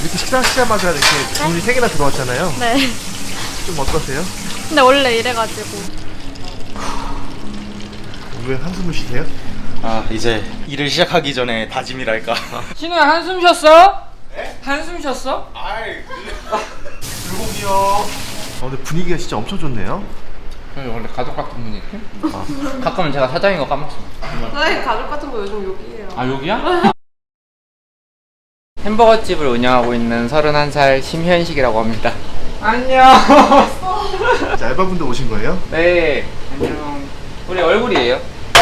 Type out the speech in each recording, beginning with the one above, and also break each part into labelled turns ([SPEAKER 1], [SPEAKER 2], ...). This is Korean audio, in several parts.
[SPEAKER 1] 이렇게 식사하시자마자 이렇게 주문이 3개나 들어왔잖아요.
[SPEAKER 2] 네.
[SPEAKER 1] 좀 어떠세요?
[SPEAKER 2] 근데 원래 이래가지고.
[SPEAKER 1] 왜 한숨을 쉬세요?
[SPEAKER 3] 아 이제 일을 시작하기 전에 다짐이랄까.
[SPEAKER 4] 신우야 한숨 쉬었어? 네? 한숨 쉬었어?
[SPEAKER 3] 불고기요.
[SPEAKER 1] 근데 분위기가 진짜 엄청 좋네요.
[SPEAKER 4] 저희 원래 가족 같은 분위기? 가끔은 제가 사장인 거 까먹습니다.
[SPEAKER 5] 사장님 가족 같은 거 요즘 욕이에요.
[SPEAKER 4] 아 여기야? 햄버거집을 운영하고 있는 31살 심현식이라고 합니다. 안녕.
[SPEAKER 1] 이제 알바분들 오신 거예요?
[SPEAKER 4] 네 안녕. 우리 얼굴이에요.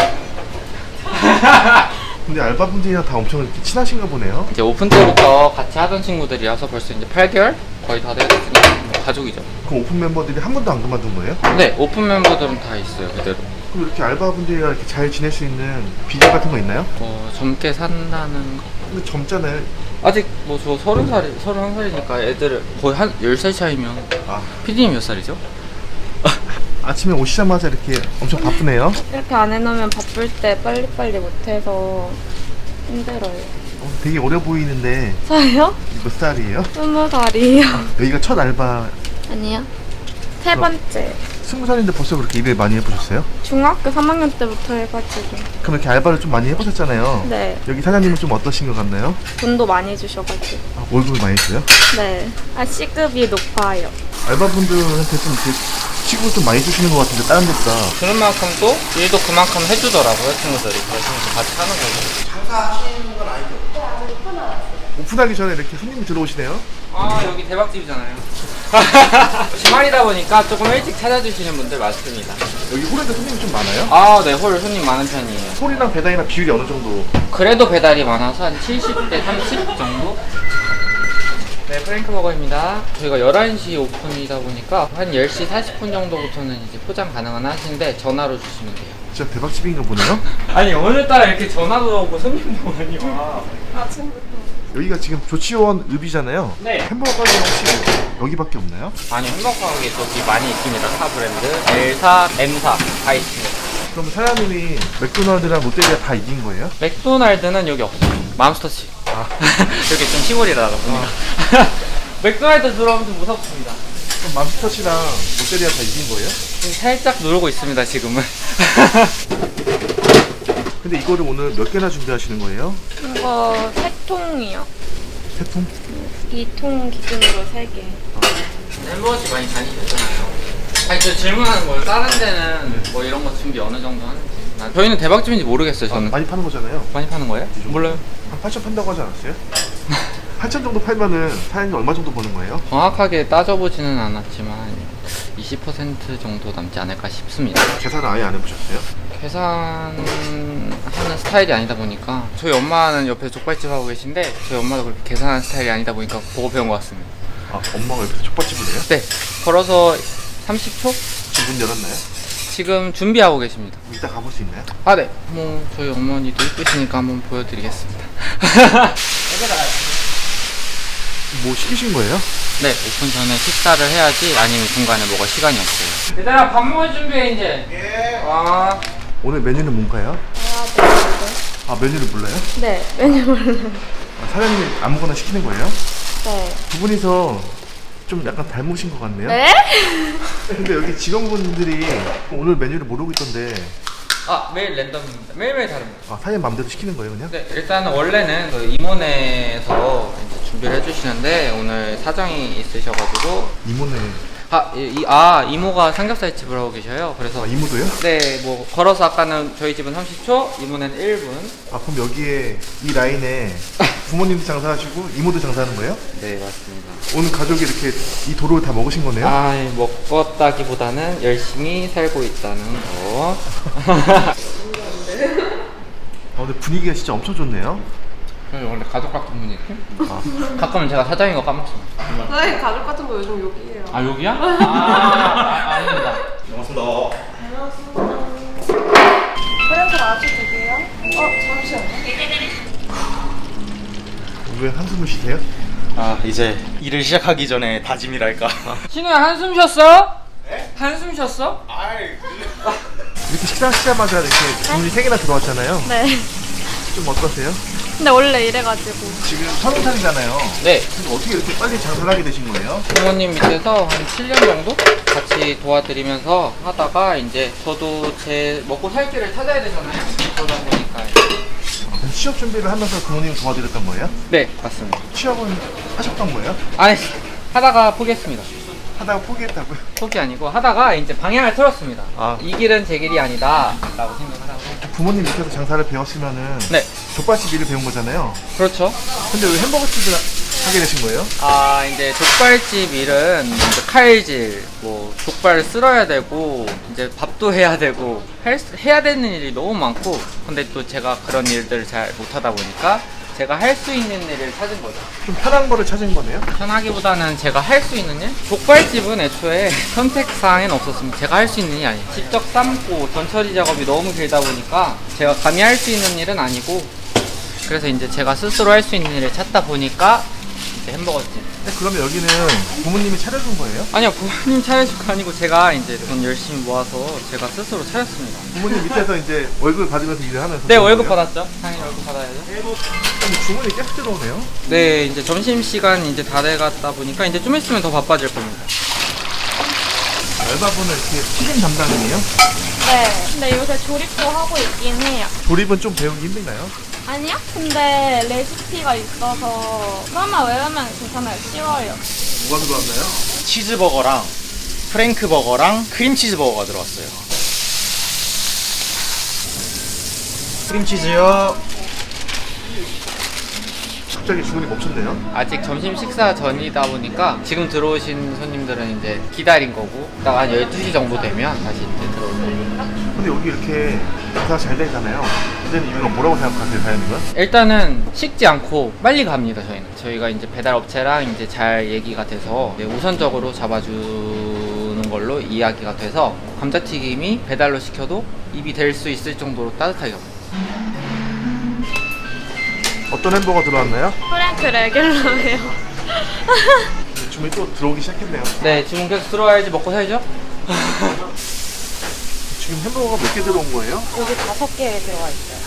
[SPEAKER 1] 근데 알바분들이랑 다 엄청 이렇게 친하신가 보네요.
[SPEAKER 4] 이제 오픈 때부터 같이 하던 친구들이라서 벌써 이제 8개월? 거의 다 되었으니까 뭐 가족이죠.
[SPEAKER 1] 그럼 오픈 멤버들이 한 번도 안 그만둔 거예요?
[SPEAKER 4] 네 오픈 멤버들은 다 있어요 그대로.
[SPEAKER 1] 그럼 이렇게 알바분들이랑 이렇게 잘 지낼 수 있는 비결 같은 거 있나요?
[SPEAKER 4] 젊게 산다는 거.
[SPEAKER 1] 근데 젊잖아요.
[SPEAKER 4] 아직 뭐 저 31살이니까 애들 거의 한 10살 차이면.
[SPEAKER 1] 아,
[SPEAKER 4] PD님 몇 살이죠?
[SPEAKER 1] 아침에 오시자마자 이렇게 엄청 바쁘네요.
[SPEAKER 2] 이렇게 안 해놓으면 바쁠 때 빨리빨리 못해서 힘들어요.
[SPEAKER 1] 되게 어려 보이는데
[SPEAKER 2] 저요?
[SPEAKER 1] 몇 살이에요?
[SPEAKER 2] 20살이에요.
[SPEAKER 1] 여기가 첫 알바.
[SPEAKER 2] 아니요. 세 번째.
[SPEAKER 1] 20살인데 벌써 그렇게 일을 많이 해보셨어요?
[SPEAKER 2] 중학교 3학년 때부터 해가지고.
[SPEAKER 1] 그럼 이렇게 알바를 좀 많이 해보셨잖아요.
[SPEAKER 2] 네.
[SPEAKER 1] 여기 사장님은 좀 어떠신 것 같나요?
[SPEAKER 2] 돈도 많이 주셔가지고.
[SPEAKER 1] 아, 월급을 많이 줘요?
[SPEAKER 2] 네. 시급이 높아요.
[SPEAKER 1] 알바분들한테 좀 이렇게 시급을 좀 많이 주시는 것 같은데 다른 데보다.
[SPEAKER 4] 그런 만큼 또 일도 그만큼 해주더라고요 친구들이. 그래서 같이 하는 거죠.
[SPEAKER 1] 오픈하기 전에 이렇게 손님이 들어오시네요.
[SPEAKER 4] 아 여기 대박집이잖아요. 주말이다 보니까 조금 일찍 찾아주시는 분들 많습니다.
[SPEAKER 1] 여기 홀에도 손님이 좀 많아요?
[SPEAKER 4] 아 네 홀 손님 많은 편이에요.
[SPEAKER 1] 홀이랑 배당이랑 비율이 어느 정도?
[SPEAKER 4] 그래도 배달이 많아서 한 70대 30 정도? 네 프랭크버거입니다. 저희가 11시 오픈이다 보니까 한 10시 40분 정도부터는 이제 포장 가능한 하신데 전화로 주시면 돼요.
[SPEAKER 1] 진짜 대박집인가 보네요.
[SPEAKER 4] 아니 오늘따라 이렇게 전화도 오고 손님도 많이 와.
[SPEAKER 1] 여기가 지금 조치원 읍이잖아요.
[SPEAKER 4] 네.
[SPEAKER 1] 햄버거 가게 혹시 여기밖에 없나요?
[SPEAKER 4] 아니 햄버거 가게 저기 많이 있습니다. 타 브랜드 L사, M사 다 있습니다.
[SPEAKER 1] 그럼 사장님이 맥도날드랑 롯데리아 다 이긴 거예요?
[SPEAKER 4] 맥도날드는 여기 없어요. 맘스터치. 여기 좀 시골이라 보니까. 맥도날드 들어오면 좀 무섭습니다.
[SPEAKER 1] 그럼 맘스터치랑 롯데리아 다 이긴 거예요?
[SPEAKER 4] 살짝 놀고 있습니다 지금은.
[SPEAKER 1] 근데 이거를 오늘 몇 개나 준비하시는 거예요?
[SPEAKER 2] 이거 3통이요.
[SPEAKER 1] 3통?
[SPEAKER 2] 2통 기준으로 3개.
[SPEAKER 4] 햄버거집 많이 다니셨잖아요. 아니 저 질문하는 거예요. 다른 데는 뭐 이런 거 준비 어느 정도 하는지. 저희는 대박집인지 모르겠어요. 저는
[SPEAKER 1] 많이 파는 거잖아요.
[SPEAKER 4] 많이 파는 거예요? 몰라요.
[SPEAKER 1] 한 8천 판다고 하지 않았어요? 8천 정도 팔면은 사장님 얼마 정도 버는 거예요?
[SPEAKER 4] 정확하게 따져보지는 않았지만 20% 정도 남지 않을까 싶습니다.
[SPEAKER 1] 계산을 아예 안 해보셨어요?
[SPEAKER 4] 계산하는 스타일이 아니다 보니까 저희 엄마는 옆에 족발집 하고 계신데 저희 엄마도 그렇게 계산하는 스타일이 아니다 보니까 보고 배운 것 같습니다.
[SPEAKER 1] 아, 엄마가 옆에서 족발집을 해요?
[SPEAKER 4] 네, 걸어서 30초?
[SPEAKER 1] 지금 문 열었나요?
[SPEAKER 4] 지금 준비하고 계십니다.
[SPEAKER 1] 이따 가볼 수 있나요?
[SPEAKER 4] 아, 네. 뭐 저희 어머니도 이쁘시니까 한번 보여드리겠습니다.
[SPEAKER 1] 뭐 시키신 거예요?
[SPEAKER 4] 네, 오픈 전에 식사를 해야지 아니면 중간에 먹을 시간이 없어요. 얘들아 밥 먹을 준비해 이제. 예. 아.
[SPEAKER 1] 오늘 메뉴는 뭔가요? 아, 메뉴를 몰라요?
[SPEAKER 2] 네. 메뉴 몰라요.
[SPEAKER 1] 아, 사장님이 아무거나 시키는 거예요?
[SPEAKER 2] 네.
[SPEAKER 1] 두 분이서 좀 약간 닮으신 것 같네요?
[SPEAKER 2] 네?
[SPEAKER 1] 근데 여기 직원분들이 오늘 메뉴를 모르고 있던데
[SPEAKER 4] 아, 매일 랜덤입니다. 매일매일 다릅니다.
[SPEAKER 1] 아, 사장님 맘대로 시키는 거예요 그냥?
[SPEAKER 4] 네, 일단은 원래는 그 이모네에서 이제 준비를 해주시는데 오늘 사정이 있으셔가지고
[SPEAKER 1] 이모네.
[SPEAKER 4] 이모가 삼겹살 집을 하고 계셔요. 그래서
[SPEAKER 1] 아, 이모도요?
[SPEAKER 4] 네, 뭐 걸어서 아까는 저희 집은 30초, 이모네는 1분.
[SPEAKER 1] 아, 그럼 여기에 이 라인에 부모님도 장사하시고 이모도 장사하는 거예요?
[SPEAKER 4] 네, 맞습니다.
[SPEAKER 1] 오늘 가족이 이렇게 이 도로를 다 먹으신 거네요?
[SPEAKER 4] 아, 먹었다기보다는 열심히 살고 있다는 거.
[SPEAKER 1] 근데 분위기가 진짜 엄청 좋네요.
[SPEAKER 4] 저희 원래 가족 같은 분위기? 가끔은 제가 사장인 거 까먹습니다.
[SPEAKER 5] 사장님 가족 같은 거 요즘 욕이에요.
[SPEAKER 4] 아, 여기야? 아닙니다.
[SPEAKER 3] 반갑습니다.
[SPEAKER 5] 프렌즈 아주 두 개요? 잠시만요.
[SPEAKER 1] 왜 한숨을 쉬세요?
[SPEAKER 3] 아 이제 일을 시작하기 전에 다짐이랄까.
[SPEAKER 4] 신우야 한숨 쉬었어? 네? 한숨 쉬었어?
[SPEAKER 1] 이렇게 식사하시자마자 이렇게 주문이 3개나 들어왔잖아요.
[SPEAKER 2] 네.
[SPEAKER 1] 좀 어떠세요?
[SPEAKER 2] 근데 원래 이래가지고.
[SPEAKER 1] 지금 30살이잖아요.
[SPEAKER 4] 네.
[SPEAKER 1] 근데 어떻게 이렇게 빨리 장사를 하게 되신 거예요?
[SPEAKER 4] 부모님 밑에서 한 7년 정도 같이 도와드리면서 하다가 이제 저도 제 먹고 살 길을 찾아야 되잖아요. 그러다 보니까.
[SPEAKER 1] 그럼 취업 준비를 하면서 부모님 도와드렸던 거예요?
[SPEAKER 4] 네, 맞습니다.
[SPEAKER 1] 취업은 하셨던 거예요?
[SPEAKER 4] 아니, 하다가 포기했습니다.
[SPEAKER 1] 하다가 포기했다고요?
[SPEAKER 4] 포기 아니고 하다가 이제 방향을 틀었습니다.
[SPEAKER 1] 아.
[SPEAKER 4] 이 길은 제 길이 아니다 라고 생각하다가.
[SPEAKER 1] 부모님 밑에서 장사를 배웠으면은
[SPEAKER 4] 네,
[SPEAKER 1] 족발집 일을 배운 거잖아요.
[SPEAKER 4] 그렇죠.
[SPEAKER 1] 근데 왜 햄버거집을 하게 되신 거예요?
[SPEAKER 4] 아, 이제 족발집 일은 이제 칼질, 뭐 족발을 쓸어야 되고 이제 밥도 해야 되고 해야 되는 일이 너무 많고, 근데 또 제가 그런 일들을 잘 못하다 보니까 제가 할 수 있는 일을 찾은 거죠.
[SPEAKER 1] 좀 편한 거를 찾은 거네요?
[SPEAKER 4] 편하기보다는 제가 할 수 있는 일? 족발집은 애초에 선택사항에는 없었습니다. 제가 할 수 있는 일이 아니에요. 직접 삶고 전처리 작업이 너무 길다 보니까 제가 감히 할 수 있는 일은 아니고, 그래서 이제 제가 스스로 할 수 있는 일을 찾다 보니까 이제 햄버거집.
[SPEAKER 1] 근데 그러면 여기는 부모님이 차려준 거예요?
[SPEAKER 4] 아니요, 부모님 차려줄 거 아니고 제가 이제 돈 열심히 모아서 제가 스스로 차렸습니다.
[SPEAKER 1] 부모님 밑에서 이제 월급 받으면서 일을 하면서
[SPEAKER 4] 네,
[SPEAKER 1] 그런
[SPEAKER 4] 월급
[SPEAKER 1] 거예요?
[SPEAKER 4] 받았죠. 당연히 월급 받아야죠.
[SPEAKER 1] 근데 주문이 계속 들어오네요?
[SPEAKER 4] 네, 이제 점심시간 이제 다 돼갔다 보니까 이제 좀 있으면 더 바빠질 겁니다.
[SPEAKER 1] 알바분은 이렇게 튀김 담당이에요?
[SPEAKER 2] 네. 근데 요새 조립도 하고 있긴 해요.
[SPEAKER 1] 조립은 좀 배우기 힘든가요?
[SPEAKER 2] 아니요? 근데 레시피가 있어서 그것만 외우면 괜찮아요. 쉬워요.
[SPEAKER 1] 뭐가 들어왔나요?
[SPEAKER 3] 치즈버거랑 프랭크버거랑 크림치즈버거가 들어왔어요. 크림치즈요.
[SPEAKER 1] 갑자기 주문이 멈췄네요?
[SPEAKER 4] 아직 점심 식사 전이다 보니까 지금 들어오신 손님들은 이제 기다린 거고, 딱 한 12시 정도 되면 다시 이제 들어올 거예요.
[SPEAKER 1] 근데 여기 이렇게 장사가 잘 되잖아요. 근데 이유가 뭐라고 생각하세요, 사장님은?
[SPEAKER 4] 일단은 식지 않고 빨리 갑니다. 저희가 이제 배달 업체랑 이제 잘 얘기가 돼서 이제 우선적으로 잡아주는 걸로 이야기가 돼서 감자튀김이 배달로 시켜도 입이 될 수 있을 정도로 따뜻하게 갑니다.
[SPEAKER 1] 어떤 햄버거 들어왔나요?
[SPEAKER 2] 프랭크 레귤러예요.
[SPEAKER 1] 주문이 또 들어오기 시작했네요.
[SPEAKER 4] 네, 주문 계속 들어와야지 먹고 살죠?
[SPEAKER 1] 지금 햄버거가 몇 개 들어온 거예요?
[SPEAKER 5] 여기 5개 들어가 있어요.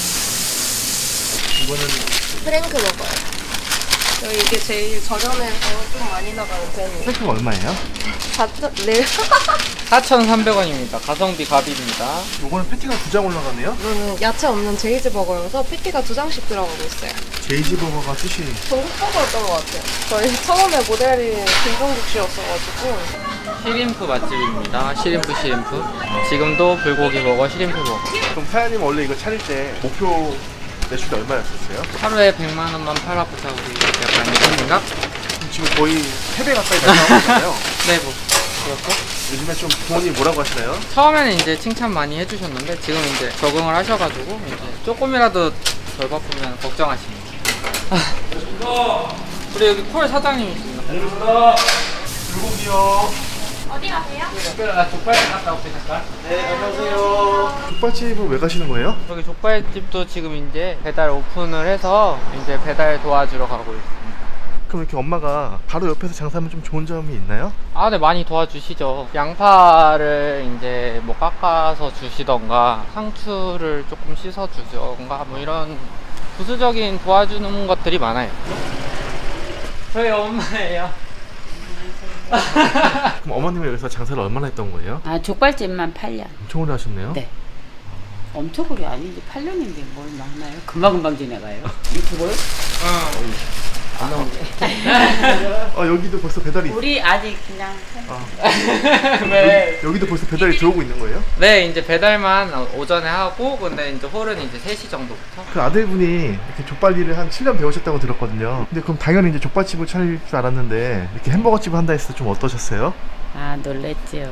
[SPEAKER 1] 이거는
[SPEAKER 5] 프랭크 먹어요. 저희 이게 제일 저렴해서 좀 많이 나가는 편이에요.
[SPEAKER 1] 프랭크가 얼마예요?
[SPEAKER 5] 네.
[SPEAKER 4] 4,300원입니다. 가성비 갑입니다.
[SPEAKER 1] 요거는 패티가 2장 올라가네요?
[SPEAKER 5] 야채 없는 제이즈 버거여서 패티가 2장씩 들어가고 있어요.
[SPEAKER 1] 제이지 버거가 뜻이
[SPEAKER 5] 전국 버거였던 것 같아요. 저희 처음에 모델이 김종국 씨였어가지고.
[SPEAKER 4] 시림프 맛집입니다. 시림프. 지금도 불고기 버거, 시림프 버거.
[SPEAKER 1] 그럼 사장님 원래 이거 차릴 때 목표 매출이 얼마였었어요?
[SPEAKER 4] 하루에 100만 원만 팔아보자 우리 약간 이런 생각?
[SPEAKER 1] 그럼 지금 거의 3배 가까이 나가고 있잖아요.
[SPEAKER 4] 네, 뭐 그렇고.
[SPEAKER 1] 요즘에 좀 부모님 뭐라고 하시나요?
[SPEAKER 4] 처음에는 이제 칭찬 많이 해주셨는데 지금 이제 적응을 하셔가지고 이제 조금이라도 덜 바쁘면 걱정하십니다. 우리 여기 콜 사장님이십니다.
[SPEAKER 1] 불고기요.
[SPEAKER 2] 어디 가세요?
[SPEAKER 4] 특별한 족발 갔다 올게 잠깐.
[SPEAKER 1] 네, 안녕하세요. 족발집은 왜 가시는 거예요?
[SPEAKER 4] 여기 족발집도 지금 이제 배달 오픈을 해서 이제 배달 도와주러 가고 있습니다.
[SPEAKER 1] 그럼 이렇게 엄마가 바로 옆에서 장사하면 좀 좋은 점이 있나요?
[SPEAKER 4] 아, 네, 많이 도와주시죠. 양파를 이제 뭐 깎아서 주시던가 상추를 조금 씻어 주던가 뭐 이런 부수적인 도와주는 것들이 많아요. 저희 엄마예요.
[SPEAKER 1] 그럼 어머님은 여기서 장사를 얼마나 했던 거예요?
[SPEAKER 6] 아, 족발집만 8년.
[SPEAKER 1] 엄청 오래 하셨네요?
[SPEAKER 6] 네. 엄청 오래 아니지. 8년인데 뭘 많아요? 금방금방 지나가요. 유튜브를?
[SPEAKER 1] 여기도 벌써 배달이
[SPEAKER 6] 우리 아직 그냥
[SPEAKER 4] 네.
[SPEAKER 1] 여기도 벌써 배달이 들어오고 있는 거예요?
[SPEAKER 4] 네, 이제 배달만 오전에 하고, 근데 이제 홀은 이제 3시 정도부터.
[SPEAKER 1] 그 아들분이 이렇게 족발 일을 한 7년 배우셨다고 들었거든요. 근데 그럼 당연히 이제 족발집을 차릴 줄 알았는데 이렇게 햄버거집을 한다 했을 때 좀 어떠셨어요?
[SPEAKER 6] 아, 놀랬죠.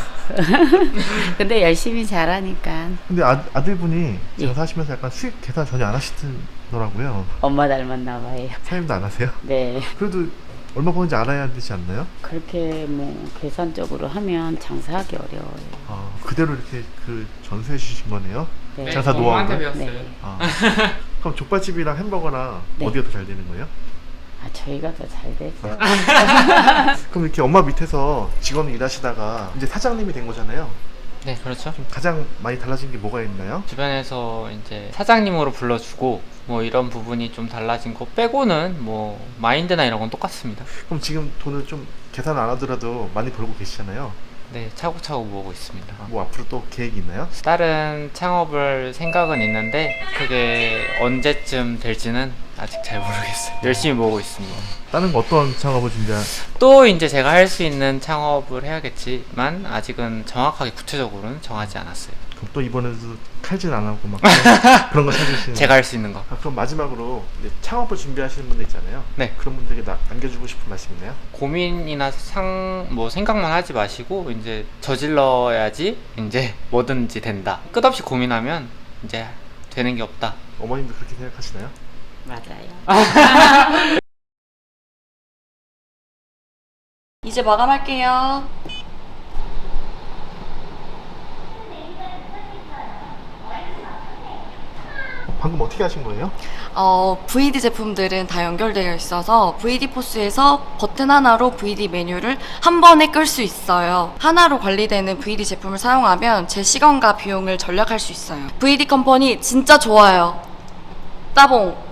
[SPEAKER 6] 근데 열심히 잘하니까
[SPEAKER 1] 근데 아들분이
[SPEAKER 6] 예.
[SPEAKER 1] 장사하시면서 약간 수익 계산 전혀 안 하시더라고요.
[SPEAKER 6] 엄마 닮았나 봐요.
[SPEAKER 1] 사장님도 안 하세요?
[SPEAKER 6] 네.
[SPEAKER 1] 그래도 얼마 버는지 알아야 되지 않나요?
[SPEAKER 6] 그렇게 뭐 계산적으로 하면 장사하기 어려워요.
[SPEAKER 1] 그대로 이렇게 그 전수해 주신 거네요?
[SPEAKER 6] 네.
[SPEAKER 1] 장사
[SPEAKER 4] 엄마한테
[SPEAKER 1] 노하우를?
[SPEAKER 4] 배웠어요.
[SPEAKER 6] 네.
[SPEAKER 1] 그럼 족발집이랑 햄버거랑
[SPEAKER 6] 네.
[SPEAKER 1] 어디가 더 잘 되는 거예요?
[SPEAKER 6] 아, 저희가 더 잘 되죠.
[SPEAKER 1] 그럼 이렇게 엄마 밑에서 직원을 일하시다가 이제 사장님이 된 거잖아요.
[SPEAKER 4] 네, 그렇죠.
[SPEAKER 1] 좀 가장 많이 달라진 게 뭐가 있나요?
[SPEAKER 4] 주변에서 이제 사장님으로 불러주고 뭐 이런 부분이 좀 달라진 거 빼고는 뭐 마인드나 이런 건 똑같습니다.
[SPEAKER 1] 그럼 지금 돈을 좀 계산 안 하더라도 많이 벌고 계시잖아요.
[SPEAKER 4] 네, 차곡차곡 모으고 있습니다.
[SPEAKER 1] 뭐 앞으로 또 계획이 있나요?
[SPEAKER 4] 다른 창업을 생각은 있는데 그게 언제쯤 될지는 아직 잘 모르겠어요. 열심히 모으고 있습니다.
[SPEAKER 1] 다른 거 어떤 창업을
[SPEAKER 4] 또 이제 제가 할 수 있는 창업을 해야겠지만 아직은 정확하게 구체적으로는 정하지 않았어요.
[SPEAKER 1] 그럼 또 이번에도 칼질 안 하고 막 그런 거 찾으시는
[SPEAKER 4] 제가 할 수 있는 거.
[SPEAKER 1] 그럼 마지막으로 이제 창업을 준비하시는 분들 있잖아요.
[SPEAKER 4] 네.
[SPEAKER 1] 그런 분들에게 남겨주고 싶은 말씀 있나요?
[SPEAKER 4] 고민이나 뭐 생각만 하지 마시고 이제 저질러야지 이제 뭐든지 된다. 끝없이 고민하면 이제 되는 게 없다.
[SPEAKER 1] 어머님도 그렇게 생각하시나요?
[SPEAKER 6] 맞아요.
[SPEAKER 7] 이제 마감할게요.
[SPEAKER 1] 방금 어떻게 하신 거예요?
[SPEAKER 7] VD 제품들은 다 연결되어 있어서 VD 포스에서 버튼 하나로 VD 메뉴를 한 번에 끌 수 있어요. 하나로 관리되는 VD 제품을 사용하면 제 시간과 비용을 절약할 수 있어요. VD 컴퍼니 진짜 좋아요. 따봉!